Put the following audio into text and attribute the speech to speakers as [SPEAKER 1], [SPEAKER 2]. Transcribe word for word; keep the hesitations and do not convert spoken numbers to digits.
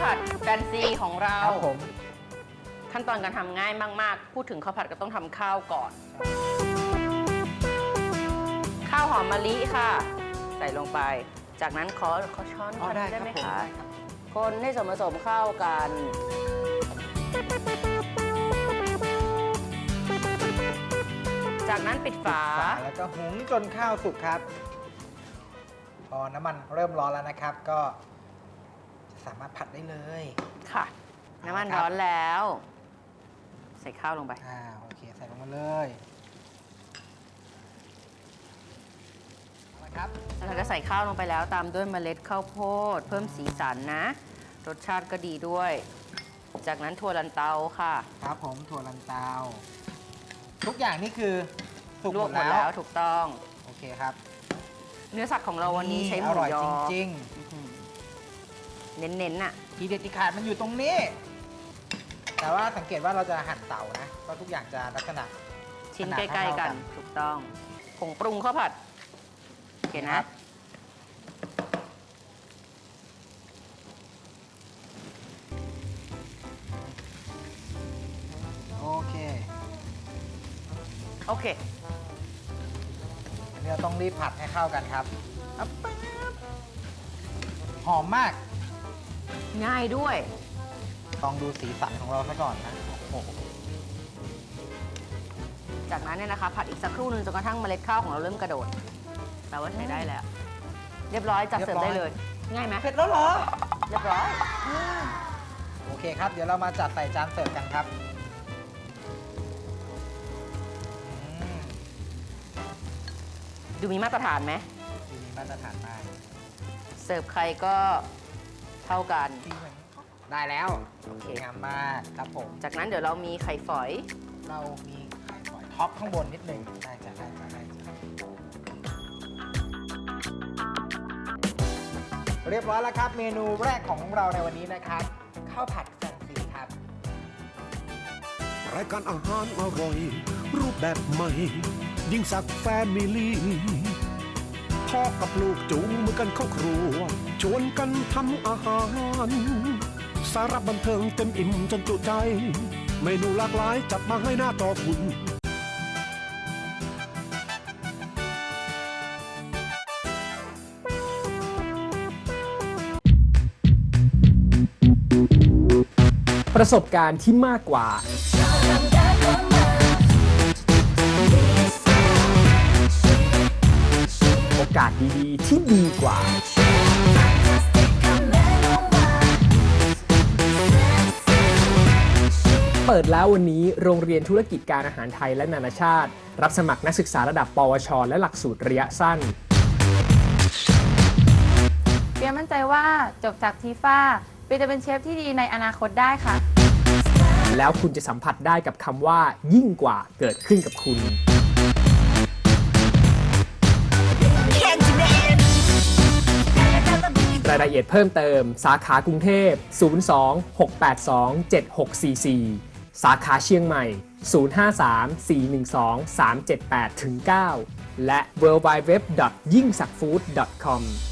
[SPEAKER 1] ผัดแฟนซีของเรา
[SPEAKER 2] ครับผม
[SPEAKER 1] ขั้นตอนการทำง่ายมากๆพูดถึงข้าวผัดก็ต้องทำข้าวก่อน ข้าวหอมมะลิค่ะ ใส่ลงไปจากนั้นขอขอช้อน
[SPEAKER 2] อ๋อได้
[SPEAKER 1] ได้ไหม
[SPEAKER 2] ครับผม
[SPEAKER 1] คะ
[SPEAKER 2] ได้ครับ
[SPEAKER 1] คนให้ส่วนผสมเข้ากัน จากนั้นปิดฝา
[SPEAKER 2] แล้วก็หุงจนข้าวสุกครับพอน้ำมันเริ่มร้อนแล้วนะครับ ก็สามารถผัดได้เลย
[SPEAKER 1] ค่ะ น้ำมัน
[SPEAKER 2] ครับ
[SPEAKER 1] ร้อนแล้ว ใส่ข้าวลงไป
[SPEAKER 2] อ่าโอเคใส่ลงมาเลยนะครับ
[SPEAKER 1] แล้วก็ใส่ข้าวลงไปแล้วตามด้วยเมล็ดข้าวโพดเพิ่มสีสันนะ รสชาติก็ดีด้วย จากนั้นถั่วลันเตาค่ะ
[SPEAKER 2] ครับผมถั่วลันเตาทุกอย่างนี่คือสุก
[SPEAKER 1] ล
[SPEAKER 2] ห
[SPEAKER 1] ว
[SPEAKER 2] ม
[SPEAKER 1] ก
[SPEAKER 2] ด
[SPEAKER 1] หมด
[SPEAKER 2] แล้
[SPEAKER 1] แล้ว วถูกต้อง
[SPEAKER 2] โอเคครับ
[SPEAKER 1] เนื้อสัตว์ของเราวันนี้ใช้หมู
[SPEAKER 2] อร่อย
[SPEAKER 1] ยอ
[SPEAKER 2] จริง
[SPEAKER 1] อื้อหือเน้นๆน่ะ
[SPEAKER 2] ๆทีเด็ดที่ขาดมันอยู่ตรงนี้ แต่ว่าสังเกตว่าเราจะหั่นเต่านะก็ทุกอย่างจะลักษณะ
[SPEAKER 1] ชิ้น
[SPEAKER 2] ขนาด
[SPEAKER 1] ใกล้ ๆ กัน
[SPEAKER 2] เท่าๆกัน
[SPEAKER 1] ถูกต้องผงปรุงข้าวผัดโอเคนะ
[SPEAKER 2] โอเค
[SPEAKER 1] โอเค
[SPEAKER 2] อันนี้เราต้องรีบผัดให้เข้ากันครับอับปั๊บหอมมาก
[SPEAKER 1] ง่ายด้วย
[SPEAKER 2] ลองดูสีสันของเราซะก่อนนะโอ้โห
[SPEAKER 1] จากนั้นเนี่ยนะคะ ผัดอีกสักครู่หนึงจนกระทั่งเมล็ดข้าวของเราเริ่มกระโดดแปลว่าใช้ได้แล้ว เรียบร้อยจัดเสิร์ฟได้เลย ง่ายไหม
[SPEAKER 2] เผ็ดแล้วเหรอ
[SPEAKER 1] เรียบร้อย
[SPEAKER 2] โอเคครับ เดี๋ยวเรามาจัดใส่จานเสิร์ฟกันครับอืม
[SPEAKER 1] ดูมีมาตรฐานไหม
[SPEAKER 2] ดูมีมาตรฐานมาก
[SPEAKER 1] เสิร์ฟใครก็เท่ากัน
[SPEAKER 2] ได้แล้ว
[SPEAKER 1] โอเค
[SPEAKER 2] งามมากครับผม
[SPEAKER 1] จากนั้นเดี๋ยวเรามีไข่ฝอย
[SPEAKER 2] เรามีไข่ฝอยท็อปข้างบนนิดหนึ่งได้จ้ะได้จ้ะได้จ้ะเรียบร้อยแล้วครับ เมนูแรกของเราในวันนี้นะครับข้าวผัดแฟนซีครับ
[SPEAKER 3] รายการอาหารอร่อย รูปแบบใหม่ ยิ่งสักแฟมิลี่พ่อกับลูกจูงมือกันเข้าครัว ชวนกันทำอาหาร สาระบันเทิงเต็มอิ่มจนจุใจ เมนูหลากหลายจัดมาให้หน้าจอคุณ
[SPEAKER 4] ประสบการณ์ที่มากกว่า โอกาสดีๆที่ดีกว่า เปิดแล้ววันนี้โรงเรียนธุรกิจการอาหารไทยและนานาชาติ รับสมัครนักศึกษาระดับ ปวช และหลักสูตรระยะสั้น
[SPEAKER 5] เปียมั่นใจว่าจบจากทีฟ้าเปียจะเป็นเชฟที่ดีในอนาคตได้ค่ะ
[SPEAKER 4] แล้วคุณจะสัมผัสได้กับคำว่ายิ่งกว่าเกิดขึ้นกับคุณ รายละเอียดเพิ่มเติมสาขากรุงเทพ ศูนย์ สอง หก แปด สอง เจ็ด หก สี่ สี่ สาขาเชียงใหม่ ศูนย์ ห้า สาม สี่ หนึ่ง สอง สาม เจ็ด แปด เก้า และ ดับเบิลยู ดับเบิลยู ดับเบิลยู ดอท ยิ่งสักฟู้ด ดอท คอม